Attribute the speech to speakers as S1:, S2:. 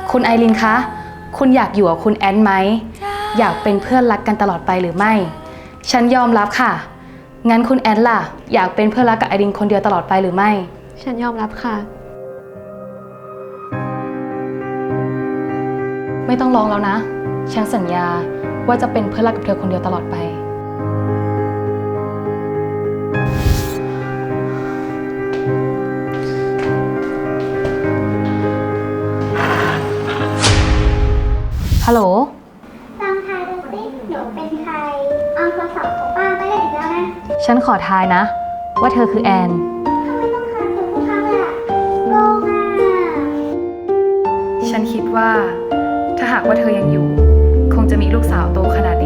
S1: คุณไอรินคะ คุณอยากอยู่กับคุณแอนไหม อยากเป็นเพื่อนรักกันตลอดไปหรือไม่ ฉันยอมรับค่ะ งั้นคุณแอนล่ะ อยากเป็นเพื่อนรักกับไอรินคนเดียวตลอดไปหรือไม่
S2: ฉันยอมรับค่ะ
S1: ไม่ต้องร้องแล้วนะ ฉันสัญญาว่าจะเป็นเพื่อนรักกับเธอคนเดียวตลอดไป ฮัลโหล
S3: ลองทายดูสิหนูเป็นใคร เอาโทรศัพท์ของป้าไปเล่นอีกแล้วนะ
S1: ฉันขอทายนะ ว่าเธอคือแอน
S3: ทำไมต้องทายถูกทุกครั้งเลยอะโกงอ่ะ
S1: ฉันคิดว่าถ้าหากว่าเธอยังอยู่ คงจะมีลูกสาวโตขนาด